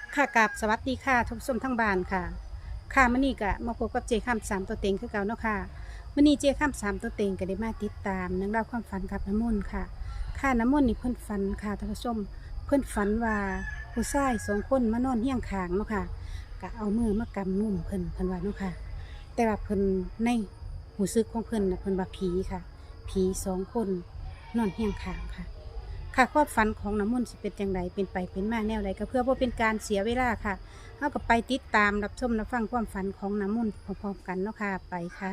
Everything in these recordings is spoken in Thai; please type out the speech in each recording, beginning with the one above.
ค่ะกับสวัสดีค่ะทุกผู้ชมทั้งบ้านค่ะค่ะมื้อนี้ก็มาพบกับเจข้ามสามตัวเต็งคือเก่าเนาะค่ะมื้อนี้เจข้ามสามตัวเต็งก็ได้มาติดตามเรื่องราวความฝันกับน้ำมนต์ค่ะค่ะน้ำมนต์นี่เพิ่นฝันค่ะท่านผู้ชมเพิ่นฝันว่าผู้ชายสองคนมานอนเฮียงข้างเนาะค่ะก็เอามือมากำนุ่มเพิ่นว่าเนาะค่ะแต่ว่าเพิ่นในหูซึกของเพิ่นน่ะเพิ่นว่าผีค่ะผีสองคนนอนเฮียงข้างค่ะ ค่ะความฝันของน้ำมนต์สิเป็นจังไดเป็นไปเป็นมาแนวใดก็เพื่อบ่เป็นการเสียเวลาค่ะเฮาก็ไปติดตามรับชมรับฟังความฝันของน้ำมนต์พร้อมๆกันเนาะค่ะไปค่ะ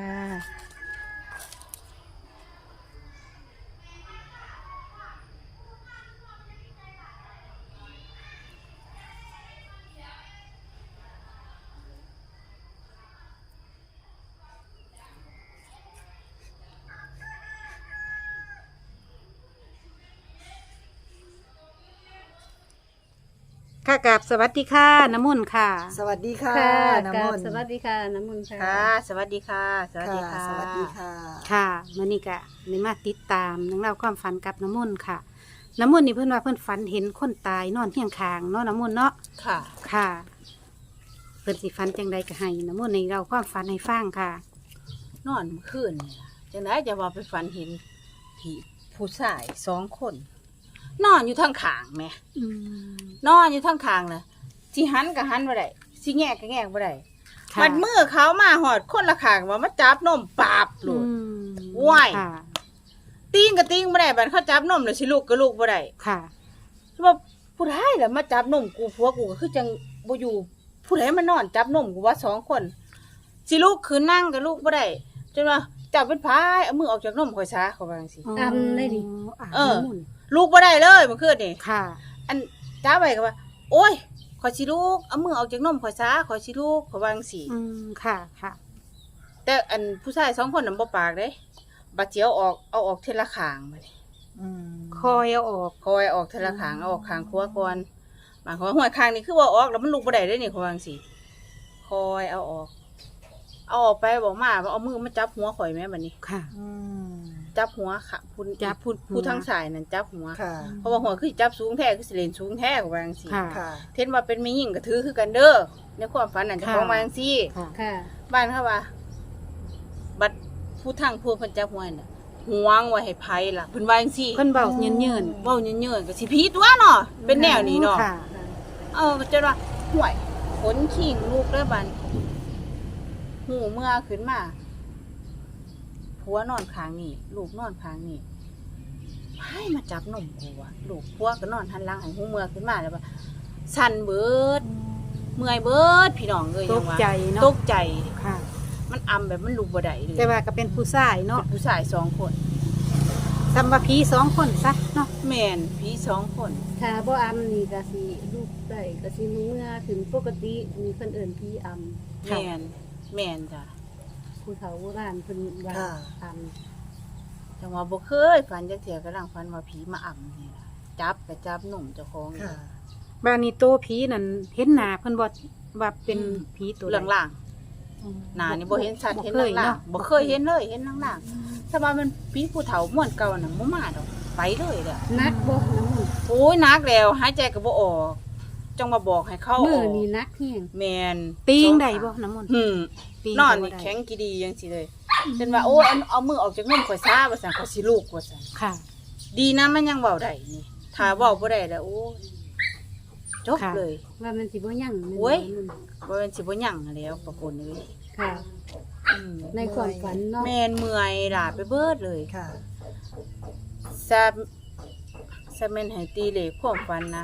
ค่ะกับสวัสดีค่ะน้ำมนต์ค่ะสวัสดีค่ะค่ะน้ำกมราบนต์สวัสดีค่ะน้ำมนต์ค่ะค่ะสวัสดีค่ะ สวัสดีค่ะสวัสดีค่ะค่ะมื้อนี้ก็ได้มาติดตามเรื่องราวความฝันกับน้ำมนต์ค่ะน้ำมนต์นี่เพิ่นว่าเพิ่นฝันเห็นคนตายนอนเฮียงข้างเนาะน้ำมนต์เนาะค่ะค่ะเพิ่นสิฝันจังใดก็ให้น้ำมนต์ในเราความฝันให้ฟังค่ะนอนเมื่อคืนนี่ล่ะจังไดจะว่าไปฝันเห็นผีผู้ชายสองคน นอนอยู่ทางขางแหม่อืมนอนอยู่ทางขางน่ะสิหันก็หันบ่ได้สิแงกก็แงกบ่ได้ค่ะมันมือเขามาหอดคนละขางว่ามาจับนมปาบโลด ว้ายค่ะตีงก็ตีงบ่ได้บัดเขาจับนมแล้วสิลูกก็ลูกบ่ได้ค่ะว่าผู้ใดล่ะมาจับนมกูผัวกูก็คือจังบ่อยู่ผู้ใดมานอนจับนมกูว่าสองคนสิลูกคือนั่งกับลูกบ่ได้จนว่าจับเป็นพายเอามือออกจากนมข่อยซะเขาว่าจังซี่อำได้ดิเออ ลูกบ่ได้เลยเมื่อคืนนี่ค่ะอันจ้าไว้ก็ว่า โอ้ยข่อยสิลูกเอามือออกจากนมข่อยซะข่อยสิลูกเขาว่าจังซี่อืม ค่ะ ค่ะแต่อันผู้ชายสองคนน่ะบ่ปากเด้บัดเจียวเอาออกเทละข้างบัดนี้อืมคอยเอาออกคอยออกเทละข้างเอาออกข้างขวาก่อนบางคนว่าหัวข้างนี่คือว่าออกแล้วมันลุกบ่ได้เด้นี่เขาว่าจังซี่คอยเอาออก เอาออกไปบอกมาว่าเอามือมาจับหัวข่อยแม่บัดนี้ค่ะอืมจับหัวค่ะผู้จับผู้ทางสายนั่นจับหัวค่ะเพราะว่าหัวคือจับสูงแท้คือสิเล่นสูงแท้เขาว่าจังซี่ค่ะค่ะเทนว่าเป็นมีหญิงก็ถือคือกันเด้อในความฝันนั่นเจะค่ะของมาจังซี่ค่ะค่ะบ้านเขาว่า บัดผู้ทางพวกเพิ่นจับหัวน่ะห่วงไว้ให้ไผล่ะเพิ่นว่าจังซี่เพิ่นเบาเยินเยินเว้าเยินๆก็สิพีตัวเนาะเป็นแนวนี้เนาะค่ะจนว่าห่วยขนขิงลูกเด้อบัดหูเมื่อขึ้นมาผัวนอนข้างนี่ลูกนอนข้างนี่ให้มาจับนมกูอะลูกผัวก็นอนหันหลังให้หูเมื่อขึ้นมาแล้วว่าสั่นเบิด เมื่อยเบิดพี่น้องเอ้ยตยังกว่าใจเนาะตกใจค่ะมันอำแบบมันลุกบ่ได้เลยแต่ว่าก็เป็นผู้ชายเนาะเป็นผู้ชายสองคนซัมบาพีสองคนซะเนาะแม่นพี่สองคนถ้าบ่อำนี่ก็สิลูกได้ก็สิเมื่อถึงปกติมีเพิ่นเอิ้นพี่อำแม่นแม่นจ้ะผู้เฒ่าโบราณเพิ่นว่าค่ะอจังว่าบ่เคยฝันจักเที่ยกำลังฝันว่าผีมาอำนี่ล่ะจับก็จับหนุ่มเจ้าของค่ะบ้านนี้โตผีนั่นเห็นหน้าเพิ่นบ่ว่าเป็นผีตัวใดล่างๆหน้านี่บ่เห็นชัดบ่เห็นเคยล่างเนาะๆบ่เคยเห็นเลยเห็นล่างๆถ้าว่ามันผีผู้เฒ่าม่วนเก่าน่ะบ่มาดอกไปเลยเด้อำนักบ่น้ำมนต์โอ้ยหนักแล้วหายใจก็บ่ออกจังมาบอกให้เข้าอมื้ออกนี้นักแฮงแม่นปีงได้บ่น้ำมนต์ ปีงนอนก็บ่นี่ได้แข็งกีดีจังซี่เลยจนว่าโอ้ยเอามือออกจากนมข่อยซาว่าซั่นข่อยสิลูกว่าซั่นค่ะดีนะมันยังเว้าได้นี่ถ้าเว้าบ่ได้แล้วโอ้ยจบค่ะเลยว่ามันสิบ่ยั่งแม่นโอ้ยบ่น้ำมนต์บ่แม่นสิบ่หยังแล้วปะปนเอ้ยค่ะอืมในความฝันเนาะแม่นเมื่อยล่ะไปเบิดเลยค่ะซะซะแม่นให้ตีเลขความฝันนะ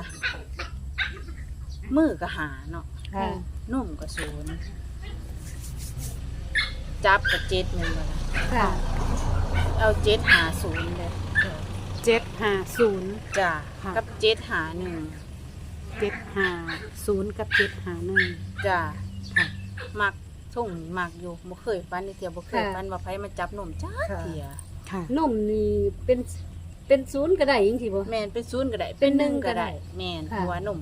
มือก็หาเนาะค่ะนุ่มก็ศูนย์จับก็เจ็ดแม่นบ่ล่ะค่ะเอาเจ็ดหาศูนย์เลย 750 จ้ะค่ะกับเจ็ดหาหนึ่ง 750กับ751 จ้ะค่ะมักส่งมักอยู่บ่เคยฟันนี่เทียบ่เคยฟันว่าไผมาจับนมจ้าค่ะเทียค่ะนมนี่เป็นศูนย์ก็ได้จังซี่บ่แม่นเป็นศูนย์ก็ได้เป็นหนึ่งก็ก็ได้ได้แม่นค่ะหัวนม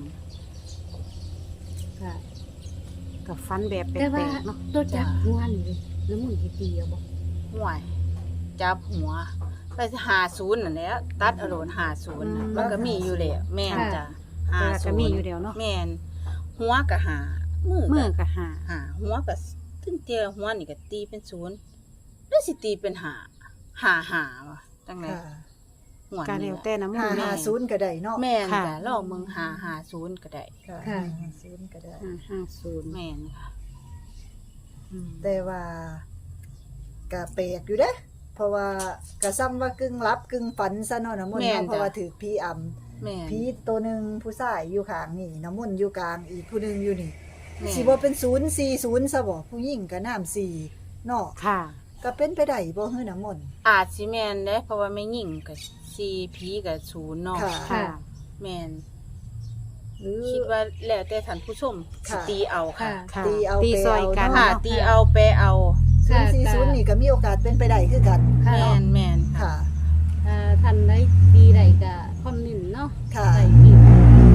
ค่ะกับฟันแบบแปแต่ว่าลกๆเนาะตัวจับหัวนี่น้ำมนต์สิตีเอาบ่ห่วยจับหัวไปหาศูนย์นั่นแหละตัดเอาโลนหาศูนย์น่ะมันก็มีอยู่แล้วแม่นจ้ะแต่ว่าก็มีอยู่ 50 เดียวเนาะแม่นหหัวก็หามืมืออก็ก็หาหาหัวก็ถึงเตียหัวนี่ก็ตีเป็นศูนย์แล้วสิตีเป็นหาว่ะจังได๋ค่ะหัวก็นี่แล้วล่ะแต่น้ำมันต์ 550ก็ได้เนาะแม่นค่ะจ้ะลองมึง550ก็ได้ค่ะค่ะ 550ก็ได้ 550 แม่นค่ะอืมแต่ว่าก็แปลกอยู่เด้เพราะว่าก็ซ้ำว่ากึ่งรับกึ่งฝันซะเนาะน้ำมนต์แม่นเนาะเพราะว่าจ้ะถือผีอำแม่นผีตัวหนึงผู้ชายอยู่ข้างนี่น้ำมนต์อยู่กลางอีกผู้หนึงอยู่นี่แม่นสิบ่เป็น040ซะบ่ผู้หญิงก็น้ำ4เนาะค่ะก็เป็นไปได้บ่ฮือน้ำมนต์อาจสิแม่นเด้เพราะว่าแม่หญิงก็4ผีก็0เนาะค่ะค่ะแม่นหรือคิดว่าแล้วแต่ท่านผู้ชมสิค่ะตีเอาค่ะค่ะตีเอาตีซอยกันไปเอาค่ะเนาะตีเอาแปลเอาค่ะ 040นี่ก็มีโอกาสเป็นไปได้คือกันค่ะแม่นแม่นค่ะค่ะท่านได้ดีใดก็คอมเมนต์เนาะค่ะใส่ผิด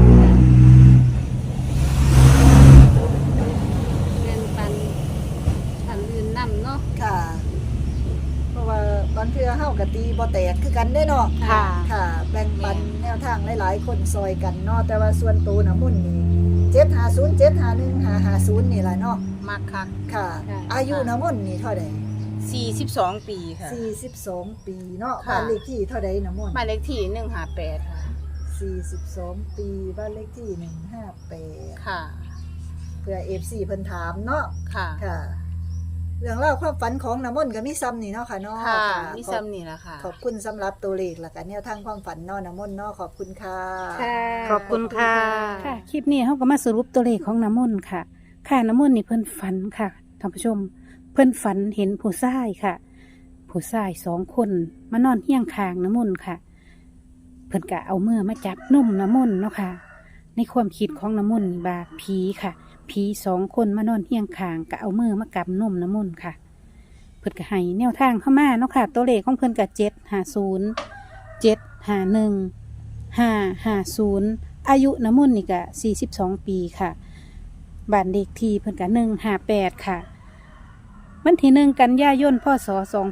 แม่นปันท่านอื่นนำเนาะค่ะ เพราะว่าบางเทื่อเฮาก็ตีบ่แตกคือกันได้เนาะค่ะค่ะ แบ่งปันแนวทางหลายๆคนซอยกันเนาะแต่ว่าส่วนตัวน้ำมุ่นนี่750 751 550นี่ล่ะเนาะมักคักค่ะ อายุน้ำมุ่นนี่เท่าใด 42 ปีค่ะ 42 ปีเนาะค่ะบ้านเลขที่เท่าใดน้ำมุ่นหมายเลขที่158ค่ะ 42 ปีบ้านเลขที่158 ค่ะเพื่อ FC เพิ่นถามเนาะค่ะค่ะ เรื่องเล่าวความฝันของน้ำมนต์ก็มีซ้ำนี่เนาะค่ะเนาะค่ะค่ะมีซ้ำนี่ล่ะค่ะขอบคุณสำหรับตัวเลขและกันแนวทางความฝันเนาะน้ำมนต์เนาะขอบคุณค่ะขอบคุณค่ะ ค่ะ คลิปนี้เขาก็มาสรุปตัวเลขของน้ำมนต์ค่ะ ค่ะน้ำมนต์นี่เพิ่นฝันค่ะท่านผู้ชม เพิ่นฝันเห็นผู้ชายค่ะ ผู้ชาย2 คนมานอนเฮียงคางน้ำมนต์ค่ะ เพิ่นก็เอามือมาจับนุ่มน้ำมนต์เนาะค่ะ ในความคิดของน้ำมนต์นี่บาผีค่ะ ผี2 คนมานอนเฮียงคางก็เอามือมากำนุ่มน้ำมนต์ค่ะ เพิ่นก็ให้แนวทางเข้ามาเนาะค่ะ ตัวเลขของเพิ่นก็750 751 550อายุน้ำมนต์นี่ก็42 ปีค่ะบ้านเลขที่เพิ่นก็158ค่ะวันที่1 กันยายนพศ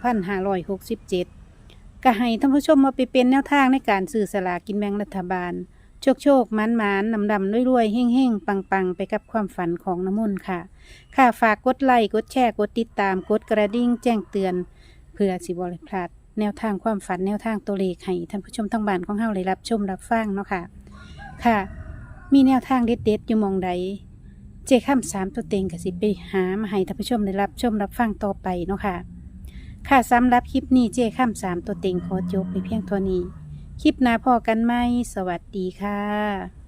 2567ก็ให้ท่านผู้ชมมาไปเป็นแนวทางในการซื้อสลากกินแบ่งรัฐบาล โชคหมานๆดำๆรวยๆเฮ่งๆปังๆไปกับความฝันของน้ำมนต์ค่ะ ค่ะฝากกดไลค์กดแชร์กดติดตามกดกระดิ่งแจ้งเตือน เพื่อสิบ่พลาดแนวทางความฝันแนวทางตัวเลขให้ท่านผู้ชมทั้งบ้านของเฮาได้รับชมรับฟังเนาะค่ะ ค่ะ มีแนวทางเด็ดๆอยู่หมองใดเจ้าค่ำ3 ตัวเต็งก็สิไปหามาให้ท่านผู้ชมได้รับชมรับฟังต่อไปเนาะค่ะ ค่ะสำหรับคลิปนี้เจ้าค่ำ3 ตัวเต็งขอจบไปเพียงเท่านี้ คลิปหน้าพอกันไหมสวัสดีค่ะ